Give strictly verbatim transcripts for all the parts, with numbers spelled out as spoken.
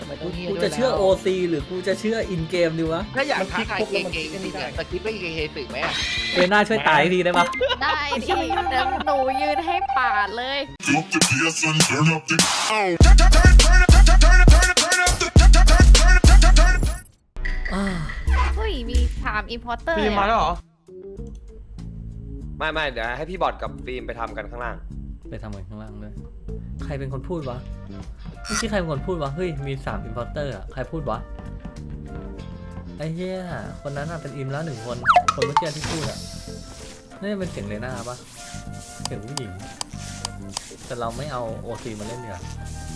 กูจะเชื่อ โอ ซี หรือกูจะเชื่ออินเกมดีวะถ้าอยากท้าทายเก่งๆจริงๆสกิปไม่เก่งๆตึกไหมเรน่าช่วยตายทีได้ปะได้ดิเดี๋ยวหนูยืนให้ปาดเลย เฮ้ยมีถามอินพอร์เตอร์พี่มาแล้วเหรอไม่ไม่เดี๋ยวให้พี่บอดกับฟิล์มไปทำกันข้างล่างไปทำกันข้างล่างด้วยใครเป็นคนพูดวะเมื่อกี้ใครเป็นคนพูดวะเฮ้ยมีสามอินพอร์เตอร์อะใครพูดวะไอ้เหี้ยคนนั้นอะเป็นอิมแล้วหนึ่งคนคนเมื่อกี้ที่พูดอะน่าจะเป็นเสียงเลน่าปะเสียงผู้หญิงแต่เราไม่เอา โอ ซี มาเล่นเดี๋ยว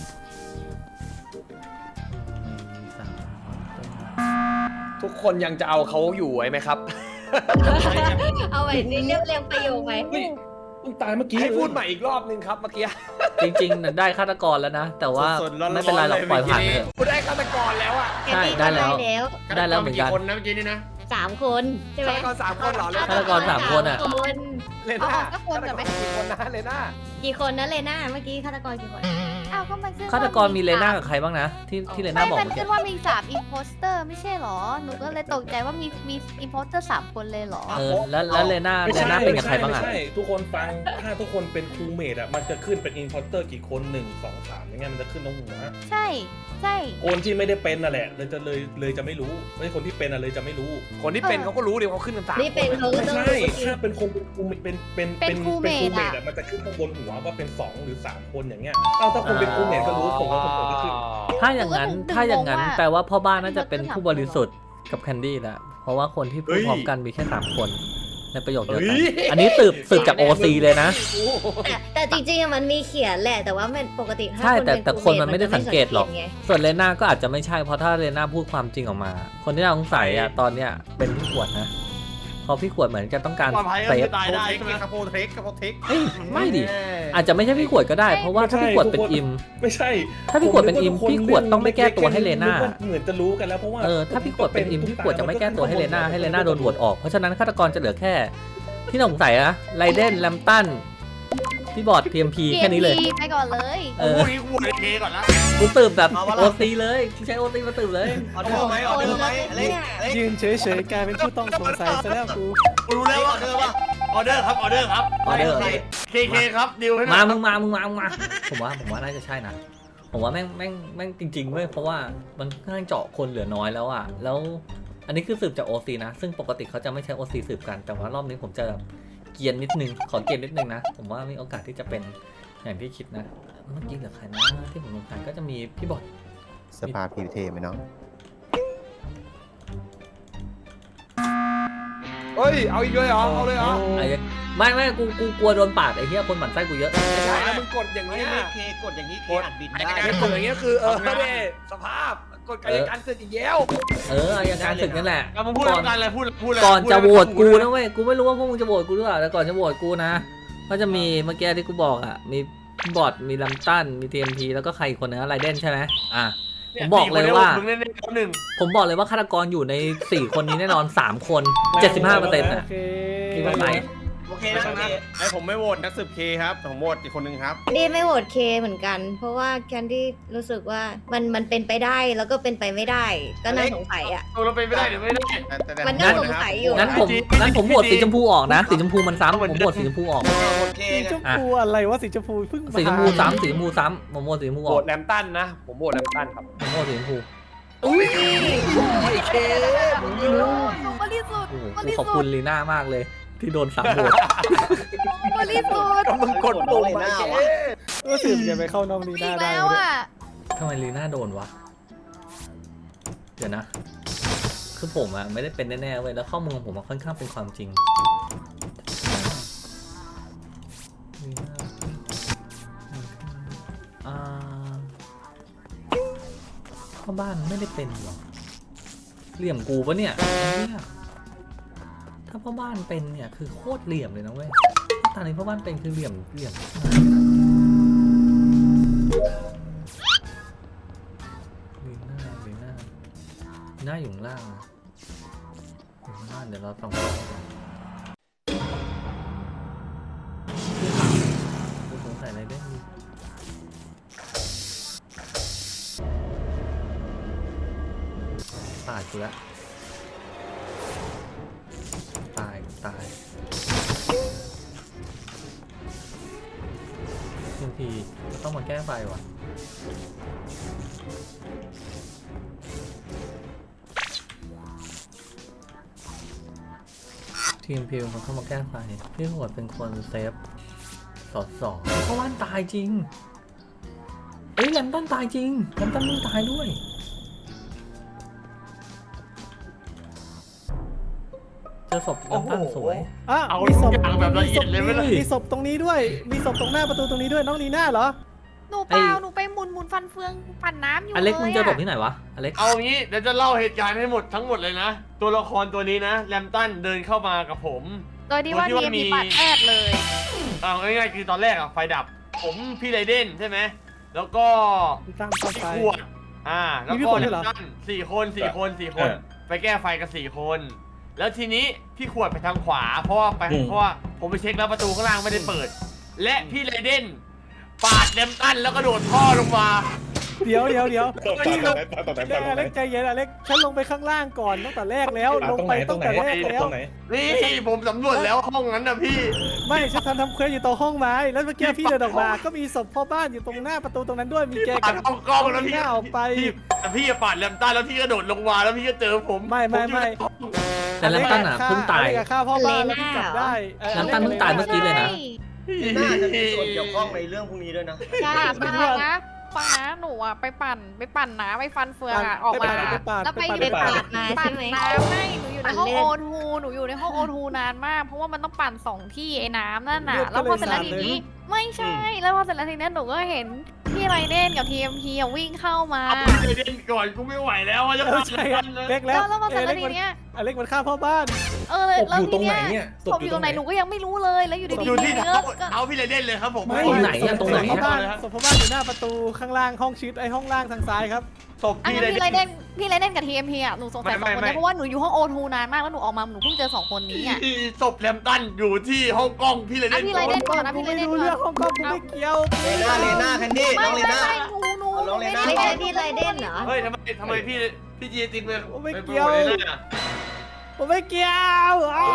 ทุกคนยังจะเอาเขาอยู่ไว้ไหมครับเอาไว้นี่เรียบเรียงประโยคไหมมึงตายเมื่อกี้ให้พูดใหม่อีกรอบนึงครับเมื่อกี้จริงๆได้ฆาตกรแล้วนะแต่ว่าไม่เป็นไรหรอกปล่อยผ่านเถอะกูได้ฆาตกรแล้วอ่ะใช่ได้แล้วได้แล้วได้แล้วเหมือนกันคนนะเมื่อกี้นี่นะสามคนใช่ไหมฆาตกรสามคนเหรอฆาตกรสามคนอะคนเลน่าฆาตกรกี่คนนะเลน่ากี่คนนะเลน่าเมื่อกี้ฆาตกรกี่คนอ้าวก็มันขึ้นฆาตกรมีเลน่ากับใครบ้างนะที่ที่เลน่าไม่บอกมันเมื่อขึ้กี้นว่ามีสามอินโพสเตอร์ไม่ใช่หรอหนูก็เลยตกใจว่ามีมีอินโพสเตอร์สามคนเลยหรอเออแล้วแล้วเลน่าเลน่าเป็นกับใครบ้างอะไม่ใช่ทุกคนฟังถ้าทุกคนเป็นครูเมดอ่ะมันจะขึ้นเป็นอินพอร์เตอร์กี่คนหนึ่งสองสามอย่างเงี้ยมันจะขึ้นตรงหัวใช่ใช่คนที่ไม่ได้เป็นน่ะแหละเลยจะเลยเลยจะไม่รู้ไม่ใช่คนที่เป็นอ่ะเลยจะไม่รู้คนที่เป็นเขาก็รู้ดิเขาขึ้นกันสามนี่เป็นเขาก็ไม่ต้องใช่รู้ถ้าเป็นคนเป็นครูเป็นเป็นเป็นครูเมดเมอะดอ่ะมันจะขึ้นข้างบนหัวว่าเป็นสองหรือสามคนอย่างเงี้ยเอาถ้าคนเป็นครูเมดก็รู้ผมว่าคนก็ขึ้นถ้าอย่างนั้นถ้าอย่างนั้นแปลว่าพ่อบ้านน่าจะเป็นผู้บริสุทธิ์กับแคนดี้แหละเพราะว่าคนที่พูดพร้อมกันมีแค่สามคนในประโยคเดียวกันอันนี้สืบสืบจาก โอ ซี เลยนะแต่แต่จริงๆมันมีเขียนแหละแต่ว่ามันปกติถ้าใช่แต่เป็แต่คนมันไม่ได้สังเกตหรอกไงส่วนเลน่าก็อาจจะไม่ใช่เพราะถ้าเลน่าพูดความจริงออกมา คนที่น่าสงสัยอ่ะตอนเนี้ยเป็นพี่ขวดนะเพราะพี่ขวดเหมือนจะต้องการเซฟตายได้ใช่ไหมครับโปรเทคกับโปรเทคเอ้ยไม่ดิอาจจะไม่ใช่พี่ขวดก็ได้เพราะว่าถ้าพี่ขวดเป็นอิมไม่ใช่ถ้าพี่ขวดเป็นอิมพี่ขวดต้องไม่แก้ตัวให้เลน่าเหมือนจะรู้กันแล้วเพราะว่าเออถ้าพี่ขวดเป็นอิมพี่ขวดจะไม่แก้ตัวให้เลน่าให้เลน่าโดนโหวตออกเพราะฉะนั้นฆาตกรจะเหลือแค่ที่น่าสงสัยนะไรเดนแลมตันพี่บอร์ด ที เอ็ม พี แค่นี้เลยไปก่อนเลยเออพวกนี้กูเลยเทก่อนละกูสืบแบบ โอ ซี เลยกูใช้ โอ ซี มาสืบเลยออเดอร์ไหมออเดอร์ไหมอะไรยืนเฉยๆกลายเป็นผู้ต้องสงสัยซะแล้วกูกูรู้แล้วว่าออเดอร์ป่ะออเดอร์ครับออเดอร์ครับออเดอร์เคเคครับดิวให้มามึงมามึงมามึงมาผมว่าผมว่าน่าจะใช่นะผมว่าแม่งแม่งแม่งจริงๆเว้ยเพราะว่ามันค่อนข้างเจาะคนเหลือน้อยแล้วอ่ะแล้วอันนี้คือสืบจาก โอ ซี นะซึ่งปกติเขาจะไม่ใช้ โอ ซี สืบกันแต่ว่ารอบนี้ผมจะแบบเกียนนิดนึงขอเกียนนิดนึงนะผมว่ามีโอกาสที่จะเป็นอย่างที่คิดนะเมื่อกี้เหลือใครนะที่ผมสงสัยก็จะมีพี่บอดสภาพพีเทไหมน้องเฮ้ยเอาอีกเลยเหรอเอาเลยเหรอไอ้ไม่ไม่กูกูกลัวโดนปาดไอ้เหี้ยคนหมั่นไส้กูเยอะไม่ใช่นะมึงกดอย่างไม่นี้ไม่ยเคกดอย่างนี้เคกดอัดบินไอ้ได้กดอย่างเงี้ยคือเออเด้สภาพกดกายการศึกอีกแล้วเอออายการศึกนั่นแหละเอามึงพูดกันเลยพูดพูดเลยก่อนจะโหวตกูนะเว้ยกูไม่รู้ว่าพวกมึงจะโหวตกูหรือเปล่าแต่ก่อนจะโหวตกูนะก็จะมีเมื่อกี้ที่กูบอกอ่ะมีบอดมีลัมตันมี ที เอ็ม พี แล้วก็ใครอีกคนนึงไรเดนใช่ไหมอ่ะผมบอกเลยว่ามึงเล่นหนึ่งผมบอกเลยว่าฆาตกรอยู่ในสี่คนนี้แน่นอนสามคน เจ็ดสิบห้าเปอร์เซ็นต์โออ่ะเคคิดว่าใครโอเคนะไอผมไม่โหวตนักสืบเคครับผมโหวตอีกคนนึงครับดีไม่โหวตเคเหมือนกัน เพราะว่าแคนดี้รู้สึกว่ามันมันเป็นไปได้แล้วก็เป็นไปไม่ได้ ก็น่าสงสัยอ่ะตัวเราเป็นไม่ได้หรือไม่ได้มันน่าสงสัยอยู่งั้นผมงั้นผมโหวตสีชมพูออกนะสีชมพูมันซ้ำผมโหวตสีชมพูออกสีชมพูอะไรวะสีชมพูเพิ่งมาสีชมพูซ้ำสีชมพูซ้ำผมโหวตสีชมพูอโหวอกตแลมตันนะผมโหวตแลมตันครับผมโหวตสีชมพูอุ้ยเคบริสุทธิ์โอ้โหบกูริขอบสุคุทณธิ์ลีน่ามากเลยที่โดนสามโหวตบริสุทธิ์ก็มึงกดปุ่มมาเคก็สืบอย่าไปเข้าน้องลีอีน่าก ได้แล้วเลยอ่ะทำไมลีน่าโดนวะเดี๋ยวนะ คือผมอะไม่ได้เป็นแน่ๆเว้ยแล้วข้อมูลของผมมันค่อนข้างเป็นความจริงลีน่าอ่าพ่อบ้านไม่ได้เป็นหรอเหลี่ยมกูปะเนี่ยเนี่ยถ้าพ่อบ้านเป็นเนี่ยคือโคตรเหลี่ยมเลยนะเว้ยถ้าตอนนี้พ่อบ้านเป็นคือเหลี่ยมเหลี่ยมลีน่าลีน่าลีน่าอยู่ข้างล่างนะอยู่ข้างล่างเดี๋ยวเราส่องกูสงสัยอะไรได้มีาดกูแล้วตายตายทีมพีต้องมาแก้ไฟว่ะทีมพีเป็นคนเข้ามาแก้ไฟพี่โหดเป็นคนเซฟสอดสองเพราะว่านตายจริงเอ้ยแลมตันตายจริงแลมตันมึงตายด้วยเจอศพแลมตันสวยอ่ะเอามีศทุพกอย่างแบบละเอียดเลยไหมล่ะมีศพตรงนี้ด้วย มีศพตรงหน้าประตูตรงนี้ด้วยน้องนีน่าเหรอหนูเปล่าหนูไปหมุนหมุนฟันเฟืองปั่นน้ำอยู่อเล็กมึงเจอศพลยที่ไหนวะอเล็กเอางี้เดี๋ยวจะเล่าเหตุการณ์ให้หมดทั้งหมดเลยนะ ตัวละครตัวนี้นะแรมตันเดินเข้ามากับผมโดยที่ว่าโดยที่ทีว่ามีมีปัดแอดเลยเอาง่ายๆคือตอนแรกอะไฟดับ ผมพี่ไรเดนใช่ไหมแล้วก็พี่ตั้งเข้าพี่ไปขวดอ่าแล้วมีพี่ก็ขวดด้วยเหรอแรมตันสี่คนสี่คนสี่คน ไปแก้ไฟกันสี่คน แล้วทีนี้พี่ขวดไปทางขวา เพราะว่าไปเพราะว่าผมไปเช็คแล้วประตูข้างล่างไม่ได้เปิด และพี่ไรเดนปาดแรมตันแล้วก็โดดท่อลงมาเดี๋ยวเดี๋ยวเดี๋ยวตรงไหนพี่ลงตรงไหนเดี๋ยวอเล็กใจเย็นอเล็กฉันลงไปข้างล่างก่อนตั้งแต่แรกแล้ว ลงตรงไปไหนตรตั้งงไหนแต่แรกแล้วตรงไหนนี่ผมสำรวจแล้วห้องนั้นนะพี่ไม่ฉันทำทำเควสอยู่ตรงห้องไม้ แล้วเมื่อกี้พี่เดินออกมา ก็มีศพพ่อบ้านอยู่ตรงหน้าประตูตรงนั้นด้วย มีแกปากัดบห้องกล้องแล้วมีพี่หน้าออกไปพี่แต่พี่อะปาดแรมตันแล้วพี่ก็โดดลงมาแล้วพี่ก็เจอผมไม่ไม่ไม่ผอยู่ในห้องแต่แลมตันอ่ะเพิ่งตายอเล็กอะฆ่าพ่อบ้านแล้วพี่จับได้ออแลมตันเพิ่งตายเมื่อกี้เลยนะน่าจะมีส่วนเกี่ยวข้องในเรื่องพวกนี้ด้วยนะใช่ไม่ฟังรู้ว่านะฟังนะหนูอะไปปั่นไปปั่นน้ำไปฟันเฟืองอะออกมาไปปาดแล้วไปไปอยู่ปาดในไปปั่นมาปั่ใช่นไหมน้ำให้หนูอยู่ในห้องปั่นเล่โอน ทูหนูอยู่ในห้องโอทูนานมาก เพราะว่ามันต้องปั่นสองที่ไอ้น้ำนั่นน่ะเลือดแล้วพอเสร็จแล้วก็ทีเลยสาดเลยนี้ไม่ใช่ แล้วพอเสร็จแล้วทีนี้หนูก็เห็นพี่ไรเดนกับทีเอ็มพีวิ่งเข้ามาเอาพี่เล่นก่อนกูไม่ไหวแล้วอะจะเออปาดใช่แรอะมตันเลยเล็กแล้แล้ว วแล้วพอเสร็จอแล้วเล็กทีมันเนี้ยอเล็กมันฆ่าพ่อบ้านเออศพแล้วอยู่ตทีรงไหนเนี้เนี่ย ยศพอยู่ตรงไหนหนูก็ยังไม่รู้เลย แล้วอยู่ดีอยู่ๆที่เนื้เท้าอก็เท้าพี่เลเดนเลยครับผมไม่ตรงไหนอะตรงไหนพ่อบ้านเลยครับศพพ่อบ้านอยู่หน้าประตูข้างล่างห้องชิดไอห้องล่างทางซ้ายครับศพอันพี่นั้นเลพี่ไรเดเดนนพี่ไรเดนกับทีเอ็มพีอะหนูสงสัยสไม่องคนไม่นี้เพราะว่าหนูอยู่ห้องโอทูนานมากแล้วหนูออกมาหนูเพิ่งเจอสองคนนี้อะศพแรมตันอยู่ที่ห้องกล้องพี่เลเดอ่ะนพี่ไรเดนก่อนนะพี่ไรไม่เดนรู้ก่เรื่องอนห้องกล้องกูไม่เกี่ยวเลน่าเลน่าแคนดี้ไม่น้องเลไม่น่าไม่หนูหนูเอาน้องเลน่าไม่ใช่พี่ไรเดนเหรอเฮ้ยทำไมทำไมพี่พี่จีตินไปผมไม่ปเกี่ยวโปรโมทเลยนะผมไม่เกี่ยวอ้าว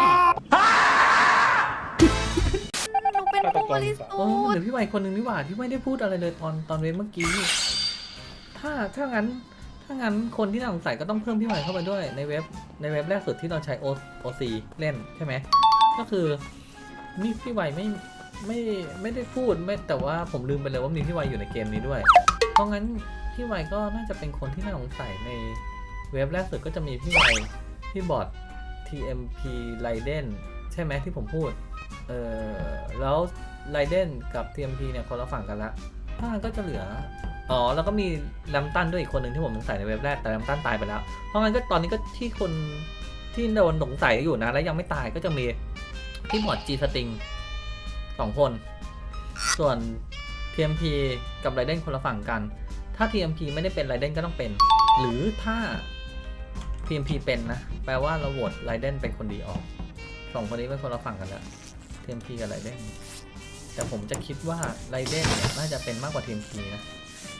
หนูเป็นผู้บริสุทโอ้ธิ์เดี๋ยวพี่ใหม่คนหนึ่งนี่หว่าที่ไม่ได้พูดอะไรเลยตอนตอนเวฟเมื่อกี้ ถ้าถ้างั้นถ้างั้นคนที่น่าสงสัยก็ต้องเพิ่มพี่ใหม่เข้าไปด้วยในเว็บในเว็บแรกสุดที่เราใช้ โอ ซี เล่นใช่ไหมก็คือนี่พี่ใหม่ไม่ไม่ไม่ได้พูดไม่แต่ว่าผมลืมไปเลยว่ามีพี่ใหม่อยู่ในเกมนี้ด้วย เพราะงั้นพี่ใหม่ก็น่าจะเป็นคนที่น่าสงสัยในเว็บแรกสุดก็จะมีพี่ใหม่พี่บอท ที เอ็ม พี Raiden ใช่ไหมที่ผมพูด เออแล้วไรเดนกับ ที เอ็ม พี เนี่ยคนละฝั่งกันละถ้างั้นก็จะเหลือ อ๋อ แล้วก็มีแลมตันด้วยอีกคนหนึ่งที่ผมสงสัยในเว็บแรกแต่แลมตันตายไปแล้ว เพราะงั้นก็ตอนนี้ก็ที่คนที่โดนสงสัยอยู่นะ แล้วยังไม่ตายก็จะมีพี่หมวดจีสติงสองคน ส่วน ที เอ็ม พี กับไรเดนคนละฝั่งกัน ถ้า ที เอ็ม พี ไม่ได้เป็นไรเดนก็ต้องเป็น หรือถ้า ที เอ็ม พี เป็นนะ แปลว่าเราโหวตไรเดนเป็นคนดีออกสองคนนี้เป็นคนละฝั่งกันแล้ว ที เอ็ม พี กับไรเดนแต่ผมจะคิดว่าไรเดนเนี่ยน่าจะเป็นมากกว่า ที เอ็ม พี นะ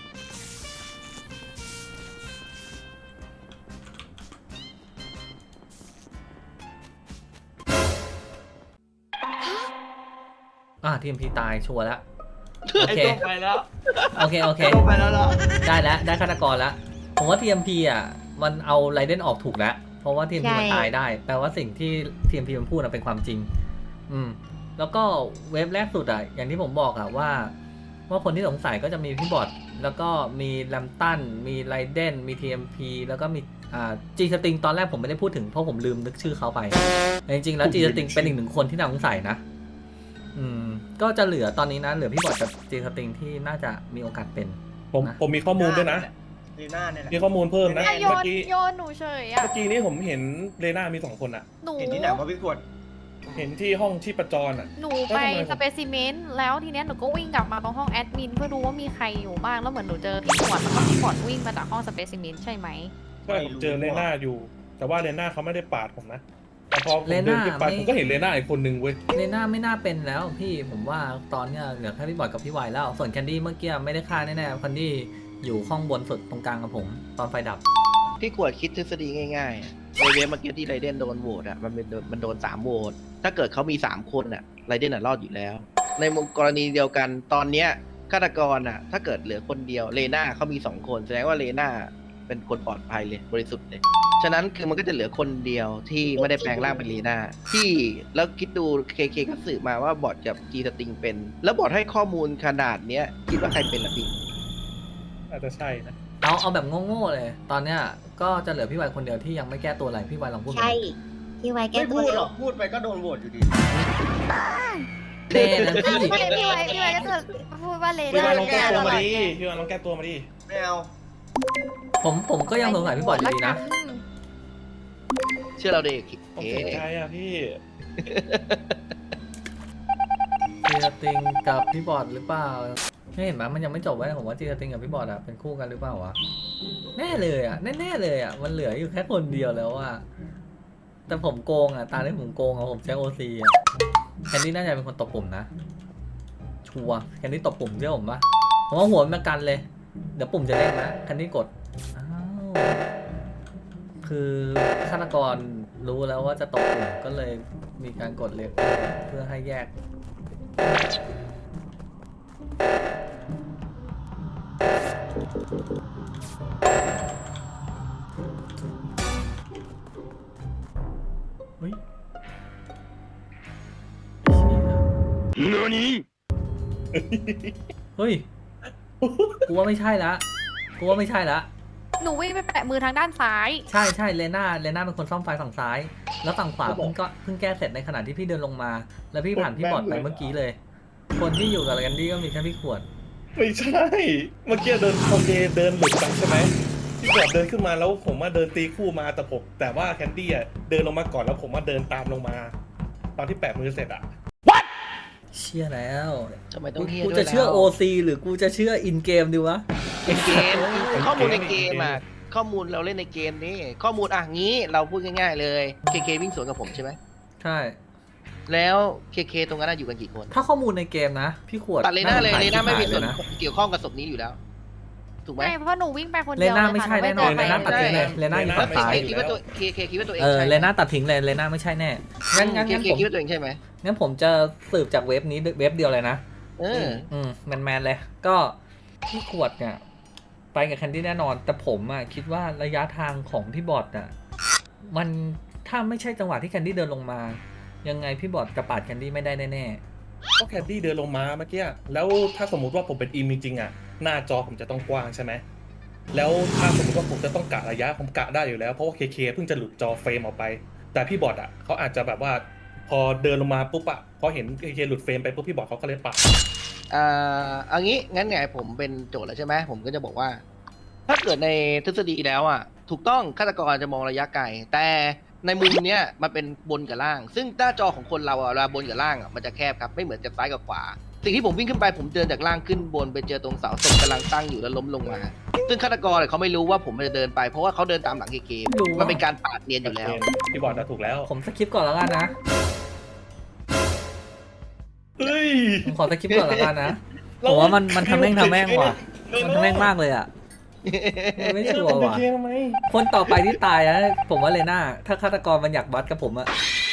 อ่า ที เอ็ม พี ตายชัวร์แล้วโอไอ้เคตัวไปแล้วโอเคโอเคไอ้ตัวไปแล้วเหรอได้แล้วได้ฆาตกรแล้ว ผมว่า ที เอ็ม พี อ่ะมันเอาไรเดนออกถูกแล้ว เพราะว่า ที เอ็ม พีใช่มันตายได้ แปลว่าสิ่งที่ ที เอ็ม พี มันพูดน่ะเป็นความจริง อืม แล้วก็เว็บแรกสุดอ่ะ อย่างที่ผมบอกอ่ะว่า ว่าคนที่สงสัยก็จะมีพี่บอทแล้วก็มีแลมตันมีไรเดนมี ที เอ็ม พี แล้วก็มีอ่าจีสติงตอนแรกผมไม่ได้พูดถึงเพราะผมลืมนึกชื่อเขาไปแต่จริงๆแล้วจีสติงเป็นอีกหนึ่งคนที่น่าสงสัยนะ อืม ก็จะเหลือตอนนี้นะเหลือพี่บอทกับจีสติงที่น่าจะมีโอกาสเป็นผมนะผมมีข้อมูลด้วยนะเลน่าเนี่ยแหละมีข้อมูลเพิ่มนะอ่ะโยเมื่อน กี้โยนหนูเฉยอะเมื่อกี้นี้ผมเห็นเลน่ามีสองคนอ่ะหนูเห็นที่ไหนว่าพี่ขวดเห็นที่ห้องชีพจรอ่ะหนูแล้วไปทำไมผมสเปซิเมนต์แล้วทีเนี้ยหนูก็วิ่งกลับมาตรงห้องแอดมินเพื่อดูว่ามีใครอยู่บ้างแล้วเหมือนหนูเจอพี่ขวดแล้วก็พี่ขวดวิ่งมาจากห้องสเปซิเมนต์ใช่ไหมใช่ผมเจอเลน่าอยู่ แต่ว่าเลน่าเขาไม่ได้ปาดผมนะแต่พอผมเลเดิน่านขึ้นไปไม่ผมก็เห็นเลน่าอีกคนนึงเว้ยเลน่าไม่น่าเป็นแล้วพี่ผมว่าตอนเนี้ยเหลือแค่พี่บอทกับพี่วายแล้ว ส่วนแคนดี้เมื่อกี้ไม่ได้ฆ่าแน่ๆแคนดี้อยู่ห้องบนสุดตรงกลางกับผม ตอนไฟดับพี่ขวดคิดทฤษฎีง่ายๆในเวฟเมื่อกี้ที่ไรเดนโดนโหวตอ่ะมันเป็นมันโดนสามโหวตถ้าเกิดเขามีสามคนอ่ะไรเดนอ่ะรอดอยู่แล้ว ในมุมกรณีเดียวกันตอนเนี้ยฆาตกรอ่ะถ้าเกิดเหลือคนเดียวเลน่าเขามีสองคนแสดงว่าเลน่าเป็นคนปลอดภัยเลยบริสุทธิ์เลยฉะนั้นคือมันก็จะเหลือคนเดียวที่ไม่ได้แปลงร่างเป็นเลน่าที่แล้วคิดดูเคเคก็สืบมาว่าบอทกับจีสติงเป็น แล้วบอทให้ข้อมูลขนาดเนี้ยคิดว่าใครเป็นล่ะพี่อาจจะใช่นะเอาเอาแบบโง่ๆเลย ตอนเนี้ยก็จะเหลือพี่วายคนเดียวที่ยังไม่แก้ตัวอะไรพี่วายลองพูดมาใช่พี่ไว้แก้ไม่ตัพูวดเร็หรวอกพูดไปก็โดนโหวตอยู่ดีแน่นะพี่พี่พี่ไว้พี่ไว้ก็จะพูดว่าเลพี่น่าวานลองแก้ตัวมาดิพี่วานลองแก้ตัวมาดิไม่เอาผมผมก็ยังสงสัยพี่บอดอยู่ดีนะเชื่อเราเด็กผมเสียใจอ่ะพี่จีสติงกับพี่บอดหรือเปล่าไม่เห็นไหมมันยังไม่จบไว้ผมว่าจีสติงกับพี่บอดอะเป็นคู่กันหรือเปล่าวะแน่เลยอะแน่ๆเลยอะมันเหลืออยู่แค่คนเดียวแล้วอะแต่ผมโกงอะตาที่ผมโกงอะผมใช้โอซีอะแคนดี้น่าจะเป็นคนตบปุ่มนะชัวร์แคนดี้ตบปุ่มเชื่อผมปะผมว่าหัวมันมากันเลย เดี๋ยวปุ่มจะเด้งนะแคนดี้กดอ้าวคือฆาตกรรู้แล้วว่าจะตบปุ่มก็เลยมีการกดเล็กเพื่อให้แยก เฮ้ยเฮ้ย กูว่าไม่ใช่ละ กูว่าไม่ใช่ละหนูวิ่งไปแปะมือทางด้านซ้ายใช่ใช่เลน่าเลน่าเป็นคนซ่อมไฟฝั่งซ้าย แล้วฝั่งขวาเพิ่งก็เพิ่งแก้เสร็จในขณะที่พี่เดินลงมา แล้วพี่ผ่านพี่บอดไปเมื่อกี้เลย คนที่อยู่กับแคนดี้ก็มีแค่พี่ขวดไม่ใช่ เมื่อกี้เดินโอเคเดินหลุดไปใช่ไหมพี่บอดเดินขึ้นมาแล้วผมว่าเดินตีคู่มาแต่ผมแต่ว่าแคนดี้อ่ะเดินลงมาก่อนแล้วผมว่าเดินตามลงมา ตอนที่แปะมือเสร็จอ่ะเชื่อแล้วทำไมต้องเฮียกูด้วยจะเชื่อแล้วโอ ซี หรือกูจะเชื่ออินเกมดีวะในเกมข้อมูลในเกมอ่ะข้อมูลเราเล่นในเกมนี่ข้อมูลอ่ะงี้เราพูดง่ายๆเลยเคเควิ่งสวนกับผมใช่ไหมใช่แล้วเคเคตรงนั้นอยู่กันกี่คนถ้าข้อมูลในเกมนะ พี่ขวดตัดเลน่าเลยเลน่าไม่มีส่วนนะเกี่ยวข้องกับศพนี้อยู่แล้วถูกไหมไม่เพราะหนูวิ่งไปคนเลเดียวน่าเลยไม่ค่ะใช่หนูแน่นอนเลไม่น่าตัดเจทิ้งเลยอเลน่าอยู่แล้วฝั่งซ้ายเคคิดว่าตัวเคเคคิดว่าตัวเองเออใช่เลน่าตัดทิ้งเลยเลน่าไม่ใช่แน่งั้นงั้นเคงั้นเคผมคิดว่าตัวเองใช่ไหมงั้นผมจะสืบจากเว็บนี้เว็บเดียวเลยนะเอออืมแมนแมนๆเลย ก็พี่ขวดเนี่ยไปกับแคนดี้แน่นอน แต่ผมอ่ะคิดว่าระยะทางของพี่บอดอ่ะมันถ้าไม่ใช่จังหวะที่แคนดี้เดินลงมา ยังไงพี่บอดจะปาดแคนดี้ไม่ได้แน่ก็แคนดี้เดินลงมาเมื่อกี้แล้วถ้าสมมุติว่าผมเป็นอิมจริงๆอ่ะหน้าจอผมจะต้องกว้างใช่ไหมแล้วถ้าสมมติว่าผมจะต้องกะระยะผมกะได้อยู่แล้วเพราะว่าเคเคเพิ่งจะหลุดจอเฟรมออกไป แต่พี่บอดอ่ะเขาอาจจะแบบว่าพอเดินลงมาปุ๊บอ่ะพอเห็นเคเคหลุดเฟรมไปปุ๊บพี่บอดเขาก็เลยปาดอ่าเอางี้งั้นไงผมเป็นโจทย์แล้วใช่ไหมผมก็จะบอกว่า ถ้าเกิดในทฤษฎีแล้วอ่ะถูกต้องฆาตกรจะมองระยะไกลแต่ในมุมเนี้ยมันเป็นบนกับล่าง ซึ่งหน้าจอของคนเราอ่ะเวลาบนกับล่างอ่ะมันจะแคบครับไม่เหมือนจากซ้ายกับขวา สิ่งที่ผมวิ่งขึ้นไปผมเดินจากล่างขึ้นบนไปเจอตรงเสาศพกำลังตั้งอยู่แล้วล้มลงมา ซึ่งฆาตกรเนี่ยเขาไม่รู้ว่าผมจะเดินไปเพราะว่าเขาเดินตามหลังเคเคมันเป็นการปาดเนียนอยู่แล้วพี่บอดจะถูกแล้วๆผมสคิปก่อนแล้วกันนะเฮ้ยผมขอสคิปก่อนแล้วกันนะผมว่ามันมันทำแม่งทำแม่งว่ะมันทำแม่งมากเลยอ่ะไม่ชัวร์ว่ะเคทำไมคนต่อไปที่ตายนะผมว่าเลน่าถ้าฆาตกรมันอยากบัดกับผมอะ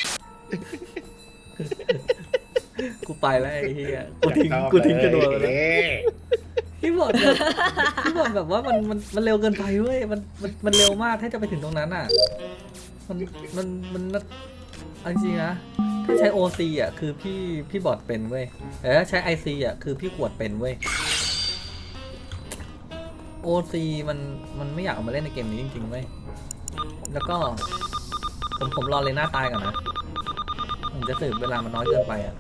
กูไปแล้วไอ้เหี้ยกูทิ้งกูทิ้งกระโดดไปแล้วพี่บอดแบบพี่บอดแบบว่ามันมันมันเร็วเกินไปเว้ยมันมันมันเร็วมากถ้าจะไปถึงตรงนั้นอ่ะมันมันมันเอาจริงๆนะถ้าใช้ โอ ซี อ่ะคือพี่พี่บอดเป็นเว้ยแต่ถ้าใช้ ไอ ซี อ่ะคือพี่ขวดเป็นเว้ย โอ ซี มันมันไม่อยากเอามาเล่นในเกมนี้จริงๆเว้ยแล้วก็ผมผมรอเลน่าตายก่อนนะผมจะสืบเวลามันน้อยเกินไปอ่ะ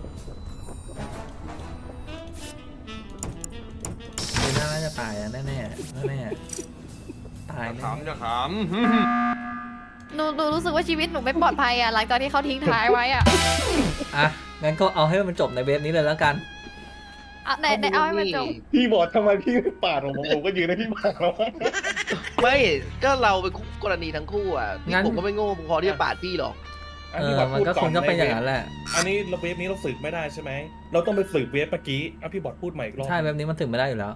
เลน่าน่าจะตายอ่ะแน่แน่แน่ๆตายแน่ขำจะขหนูหนูรู้สึกว่าชีวิตหนูไม่ปลอดภัยอ่ะหลังจากที่เขาทิ้งท้ายไว้อ่ะอ่ะงั้นก็เอาให้มันจบในเว็บนี้เลยแล้วกันอ่ะไหนไหนเอาให้มันจบพี่บอดทำไมพี่ไม่ปาดผมผมก็ยืนให้พี่ปาดแล้วไม่ก็เราเป็นคู่กรณีทั้งคู่อ่ะงั้นผมก็ไม่โง่พอที่จะปาดพี่หรอกเออมันก็คงจะเป็นอย่างนั้นแหละอันนี้เราเวฟนี้เราสืบไม่ได้ใช่ไหมเราต้องไปสืบเวฟเมื่อกี้อ่ะพี่บอดพูดใหม่อีกรอบใช่เว็บนี้มันถึงไม่ได้อยู่แล้ว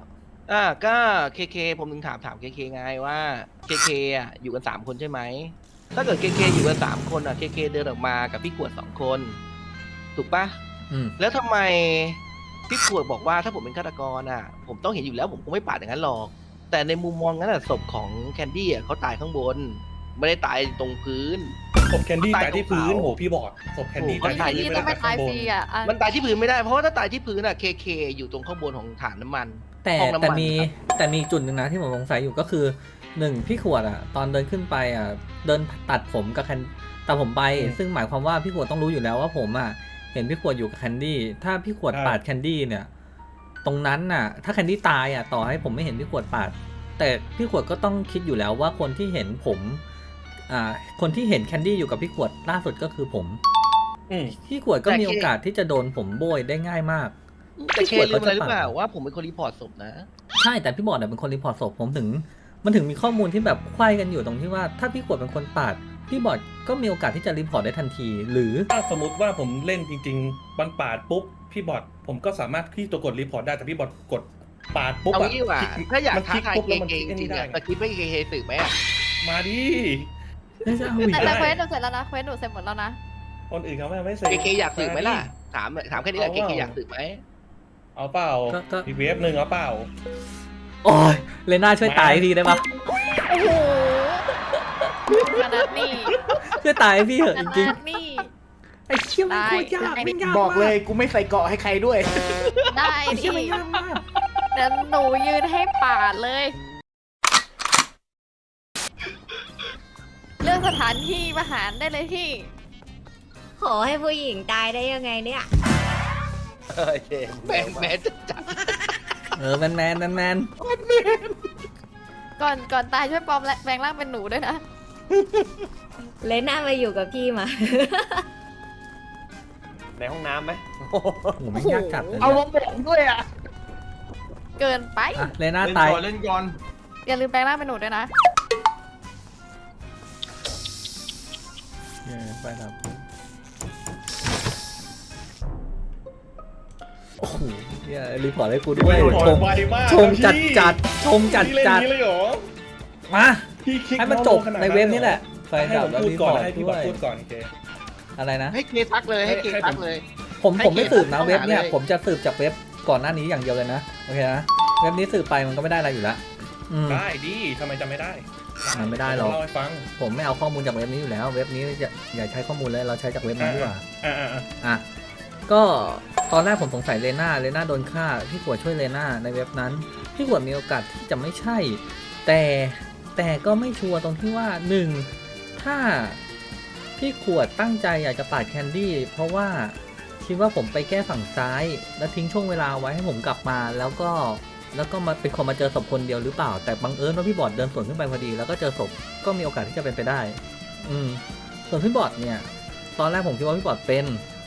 อ่าก็เคเคผมถึงถามถามเคเคไงว่าเคเคอ่ะอยู่กันสามคนใช่ไหมถ้าเกิดเคเคอยู่กันสามคนอ่ะเคเคเดินออกมากับพี่ขวดสองคนถูกปะอืมแล้วทำไมพี่ขวดบอกว่าถ้าผมเป็นฆาตกรอ่ะ ผมต้องเห็นอยู่แล้วผมคงไม่ปาดอย่างนั้นหรอก แต่ในมุมมองนั้นอ่ะศพของแคนดี้อ่ะเขาตายข้างบน ไม่ได้ตายตรงพื้นศพแคนดี้ตายที่พื้นโหพี่บอดศพแคนดี้โอ้ตายโหที่ที่พื้นต้องไปตายฟรีอ่ะอ่ะมันตายที่พื้นไม่ได้เพราะว่าถ้าตายที่พื้นอ่ะเคเคอยู่ตรงข้างบนของฐานน้ำมันแต่ห้องน้ำแต่มันมีครับแต่มีจุดหนึ่งนะที่ผมสงสัยอยู่ก็คือหนึ่งพี่ขวดอ่ะ ตอนเดินขึ้นไปอ่ะ เดินตัดผมกับแคนตัดผมไป ซึ่งหมายความว่าพี่ขวดต้องรู้อยู่แล้วว่าผมอ่ะเห็นพี่ขวดอยู่กับแคนดี้ถ้าพี่ขวดปาดแคนดี้เนี่ย ตรงนั้นน่ะ ถ้าแคนดี้ตายอ่ะต่อให้ผมไม่เห็นพี่ขวดปาด แต่พี่ขวดก็ต้องคิดอยู่แล้วว่าคนที่เห็นผมอ่าคนที่เห็นแคนดี้อยู่กับพี่ขวดล่าสุดก็คือผมอืมพี่ขวดก็มีโอกาสที่จะโดนผมโบยได้ง่ายมากแต่เคลืมอะไรหรือเปล่าว่าผมเป็นคนรีพอร์ตศพนะใช่แต่พี่บอดเนี่ยเป็นคนรีพอร์ตศพผมถึง มันถึงมีข้อมูลที่แบบไขว้กันอยู่ตรงที่ว่าถ้าพี่ขวดเป็นคนปาดพี่บอดก็มีโอกาสที่จะรีพอร์ตได้ทันที หรือถ้าสมมติว่าผมเล่นจริงๆบันปาดปุ๊บพี่บอดผมก็สามารถที่ตัวกดรีพอร์ตได้แต่พี่บอดกดปาดปุ๊บเอาอะงี้ดีกว่าคลิกถ้าอยากมันท้าคลิกทายปุ๊บเคแล้วมันเคคลิกจอันรินี้งๆได้อะสคริปต์ไม่เคเคสืบไหมอะมาดิน่าจะเอาอีกแต่แต่ได้เควสหนูเสร็จแล้วนะเควสหนูเสร็จหมดแล้วนะคนอื่นเขาไม่ไม่เสร็จเคเคอยากสืบไหมล่ะถามถามแค่นี้แหละเคเคอยากสืบไหมเอาเปล่าก็ก็อีกเวฟหนึ่งเอาเปล่าโอ้ยเลน่าช่วยตายทีได้ปะโอ้โหขนาดนี้ช่วยตายให้พี่เหอะขจริงนาดนี้ๆไอ้เชี่ยมันโคตรยากได้ไม่ยากบอกเลยมากกูไม่ใส่เกาะให้ใครด้วยได้ไอ้ดิเชี่ยมันยากมากเดี๋ยวหนูยืนให้ปาดเลย เรื่องสถานที่ประหารได้เลยพี่ขอให้ผู้หญิงตายได้ยังไงเนี่ยโอเคแม่แม่จะจับเออแมนแมนแมนแมนก่อนก่อนตายช่วยปลอมและแปลงร่างเป็นหนูด้วยนะเลน่ามาอยู่กับพี่มาในห้องน้ำไหมโอ้โหไม่ยากจัดเลยเอาเนี่ยมาบอกด้วยอ่ะเกินไปอ่ะเลน่าเล่นตายก่อนเล่นก่อนอย่าลืมแปลงร่างเป็นหนูด้วยนะเออไปครับโอ้โหเหี้ยรีพอร์ตให้กูด้วยรีพอร์ชตมไวมากชมจัดพี่จัดชมจัดพี่เล่นจัดนี้เลยเหรอมาพี่คลิกให้มันจบขนาดในเว็บนี้แหละไฟให้ดัผบมแล้วพูดรีพก่ออน ร์ตให้พี่ด้บวอดยพูดก่อนโอเคอะไรนะให้เคทักเลยให้เคให้ทักผมเลยผมให้ผมไม่เคสืบนะเข้าหาเว็บเนี่ยเลยผมจะสืบจากเว็บก่อนหน้านี้อย่างเดียวเลยนะโอเคนะเว็บนี้สืบไปมันก็ไม่ได้อะไรอยู่แล้วอืมได้ดิทำไมจะไม่ได้มันไม่ได้หรอกเล่าให้ฟังผมไม่เอาข้อมูลจากเว็บนี้อยู่แล้ว เว็บนี้อย่าอย่าใช้ข้อมูลเลยเราใช้จากเว็บนั้นดีกว่าอ่าอ่าอ่าอ่ะก็ตอนแรกผมสงสัยเลน่าเลน่าโดนฆ่าพี่ขวดช่วยเลน่าในเว็บนั้นพี่ขวดมีโอกาสที่จะไม่ใช่ แต่แต่ก็ไม่ชัวร์ตรงที่ว่าหนึ่งถ้าพี่ขวดตั้งใจอยากจะปาดแคนดี้เพราะว่าคิดว่าผมไปแก้ฝั่งซ้าย แล้วทิ้งช่วงเวลาไว้ให้ผมกลับมาแล้วก็แล้วก็มาเป็นคนมาเจอศพคนเดียวหรือเปล่า แต่บังเอิญว่าพี่บอดเดินสวนขึ้นไปพอดี แล้วก็เจอศพก็มีโอกาสที่จะเป็นไปได้ อืมส่วนพี่บอดเนี่ย ตอนแรกผมคิดว่าพี่บอดเป็น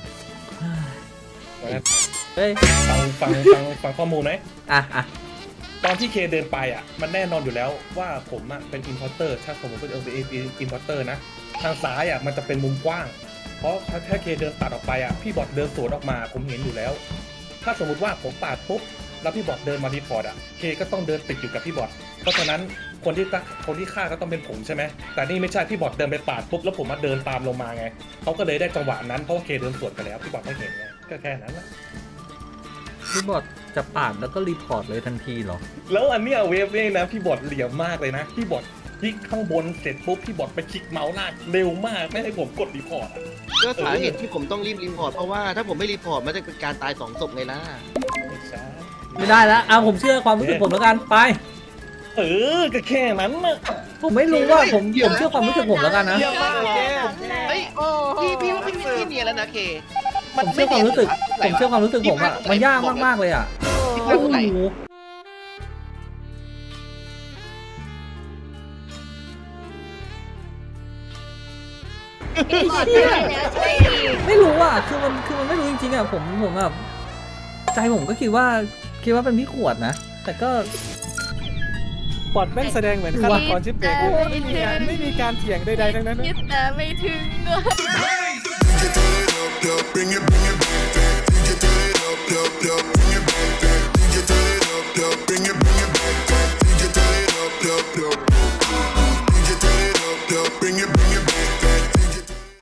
เฮ้ยฟังฟังฟังฟังข้อมูลไหมอ่ะอ่ะตอนที่เคเดินไปอ่ะ มันแน่นอนอยู่แล้วว่าผมอ่ะเป็นอินพอร์เตอร์ถ้าผมเป็นอินพอร์เตอร์นะ ทางซ้ายอ่ะมันจะเป็นมุมกว้าง เพราะถ้าเคเดินตัดออกไปอ่ะพี่บอดเดินสวนออกมาผมเห็นอยู่แล้ว ถ้าสมมติว่าผมปาดปุ๊บแล้วพี่บอดเดินมารีพอร์ตอ่ะเคก็ต้องเดินติดอยู่กับพี่บอดเพราะฉะนั้นคนที่คนที่ฆ่าก็ต้องเป็นผมใช่ไหมแต่นี่ไม่ใช่พี่บอดเดินไปปาดปุ๊บแล้วผมมาเดินตามลงมาไงเขาก็เลยได้จังหวะนั้นเพราะว่าเคเดินสวนไปแล้วพี่บอดไม่เห็นไงก็แค่นั้นแหละพี่บอดจะปาดแล้วก็รีพอร์ตเลยทันทีเหรอแล้วอันเนี้ยเวฟเนี่ยนะพี่บอดเหลี่ยมมากเลยนะพี่บอดคลิกข้างบนเสร็จปุ๊บพี่บอดไปคลิกเมาส์ลากเร็วมากไม่ให้ผมกดรีพอร์ตอ่ะก็สาเหตุที่ผมต้องรีบรีพอร์ตเพราะว่าถ้าผมไม่รีพอร์ตมันจะเป็นการตายสองศพไงล่ะไม่ใช่ไม่ได้แล้วเอาผมเชื่อความรู้สึกผมแล้วกันไปเออก็แค่นั้นนะผมไม่รู้ว่าผมผมเชื่อความรู้สึกผมแล้วกันนะเยี่ยมมากแกเฮ้ยโอ้โหพี่พี่ว่าพี่พี่เนียนแล้วนะเคผมเชื่อความรู้สึกผมเชื่อความรู้สึกผมอะมันยากมากๆเลยอะพี่โอ้พลาดตรงไหนโหพี่บอดช่วยแล้วช่วยอีกไม่รู้อะคือมันคือมันไม่รู้จริงๆอะผมผมแบบใจผมก็คิดว่าคิดว่าเป็นพี่ขวดนะ แต่ก็บอดแม่งแสดงเหมือนฆาตกรชิปเป่งเลยไม่มีการไม่มีการเถียงใดๆทั้งนั้นนะคิดแต่ไม่ถึง Bring it, bring it back, back. Bring it back, bring it back, back. Bring it back, bring it back, back.